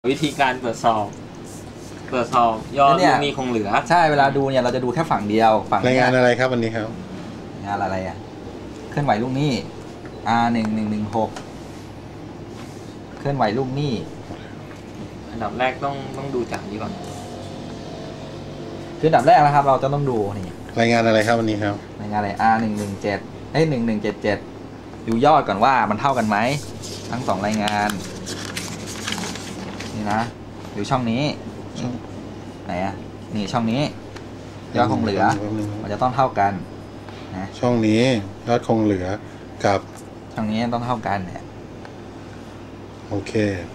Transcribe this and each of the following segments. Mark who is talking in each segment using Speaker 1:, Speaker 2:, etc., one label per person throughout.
Speaker 1: วิธีการตรวจสอบยอดลูกหนี้คงเหลือ
Speaker 2: ใช่เวลาดูเนี่ยเราจะดูแค่ฝั่งเดียวฝั่ง
Speaker 3: รายงานอะไรครับวันนี้ครับ
Speaker 2: งานอะไรอ่ะเคลื่อนไหวลูกหนี้ R1116 เคลื่อนไหวลูกหนี้
Speaker 1: อันดับแรกต้องดูจากนี้ก่อน
Speaker 2: คืออันดับแรกนะครับเราจะต้องดูนี่
Speaker 3: รายงานอะไรครับวันนี้ครับ
Speaker 2: รายงานอะไร R117 1177ดูยอดก่อนว่ามันเท่ากันไหมทั้ง2รายงานนี่นะดูช่องนี้ไหนอ่ะนี่ช่องนี้ยอดคงเหลือมันจะต้องเท่ากันนะ
Speaker 3: ช่องนี้ยอดคงเหลือกับ
Speaker 2: ช่องนี้ต้องเท่ากันเนี่ย
Speaker 3: โอเค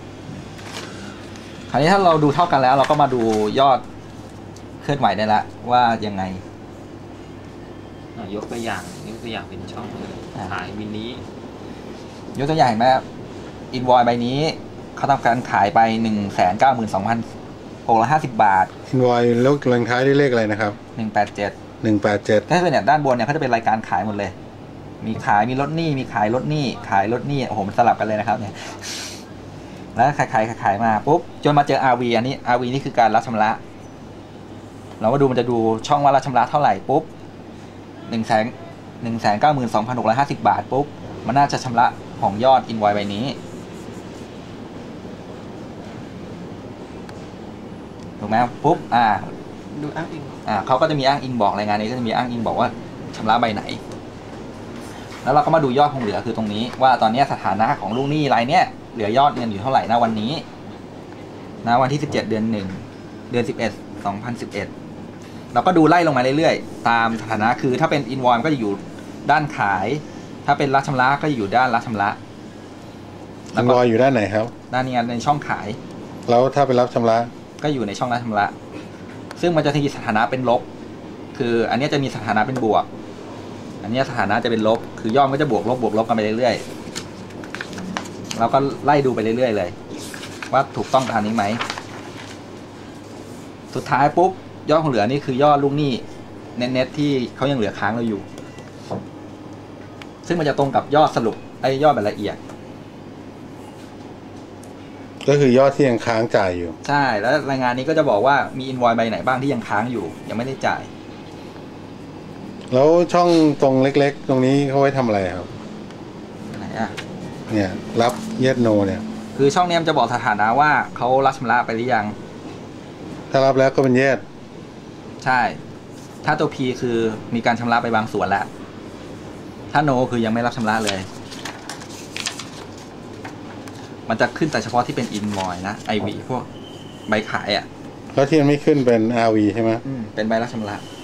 Speaker 2: คราวนี้ถ้าเราดูเท่ากันแล้วเราก็มาดูยอดเคลื่อนไหวได้ละว่ายังไง
Speaker 1: ยกตัวอย่างเป็นช่องขายมินิ
Speaker 2: ยกตัวอย่างเห็นไหมอินวอยใบนี้เขาทำการขายไป 192,650 บาท
Speaker 3: อินวอยแล้วลงท้ายด้วยเลขอะไรนะครับ
Speaker 2: 187ถ้าเป็นเนี่ยด้านบนเนี่ยเขาจะเป็นรายการขายหมดเลยมีขายมีลดหนี้มีขายลดหนี้ขายลดหนี้โอ้โหมันสลับกันเลยนะครับเนี่ยแล้วขายมาปุ๊บจนมาเจอ RV อันนี้ RV นี่คือการรับชำระเราก็ดูมันจะดูช่องว่ารับชำระเท่าไหร่ปุ๊บ192,650 บาทปุ๊บมันน่าจะชำระของยอดอินวอยใบนี้ถูกไหมปุ๊บ
Speaker 1: ดูอ้างอิง
Speaker 2: เขาก็จะมีอ้างอิงบอกรายงานนี้ก็จะมีอ้างอิงบอกว่าชำระใบไหนแล้วเราก็มาดูยอดคงเหลือคือตรงนี้ว่าตอนนี้สถานะของลูกหนี้รายเนี้ยเหลือยอดเงินอยู่เท่าไหร่ณวันนี้ณวันที่17เดือน1เดือน11 2011เราก็ดูไล่ลงมาเรื่อยๆตามสถานะคือถ้าเป็นอินวอยก็จะอยู่ด้านขายถ้าเป็นรับชำระก็จะอยู่ด้านรับชำระ
Speaker 3: อินวอยอยู่ด้านไหนครับ
Speaker 2: ด้านนี้ในช่องขาย
Speaker 3: แล้วถ้าเป็นรับชำระ
Speaker 2: ก็อยู่ในช่องรับชำระซึ่งมันจะมีสถานะเป็นลบคืออันนี้จะมีสถานะเป็นบวกอันนี้สถานะจะเป็นลบคือยอดก็จะบวกลบกันไปเรื่อยๆเราก็ไล่ดูไปเรื่อยๆเลยว่าถูกต้องตามนี้ไหมสุดท้ายปุ๊บยอดคงเหลือนี่คือยอดลูกหนี้เน็ตที่เขายังเหลือค้างเราอยู่ซึ่งมันจะตรงกับยอดสรุปยอดแบบละเอียด
Speaker 3: ก็คือยอดที่ยังค้างจ่ายอยู่
Speaker 2: ใช่แล้วรายงานนี้ก็จะบอกว่ามีอินวอยใบไหนบ้างที่ยังค้างอยู่ยังไม่ได้จ่าย
Speaker 3: แล้วช่องตรงเล็กๆตรงนี้เขาไว้ทำอะไรครับ
Speaker 2: ไหนอ่ะ
Speaker 3: เนี่ยรับเยสโนเนี่ย
Speaker 2: คือช่องนี้มันจะบอกสถานะว่าเขารับชำระไปหรือยัง
Speaker 3: ถ้ารับแล้วก็เป็นเยส
Speaker 2: ใช่ถ้าตัว P คือมีการชำระไปบางส่วนแล้วถ้า No คือยังไม่รับชำระเลยมันจะขึ้นแต่เฉพาะที่เป็น invoice นะ IV พวกใบขายอ่ะ
Speaker 3: แล้วที่มันไม่ขึ้นเป็น RV ใช่ไหม
Speaker 2: เป็นใบรับชำระ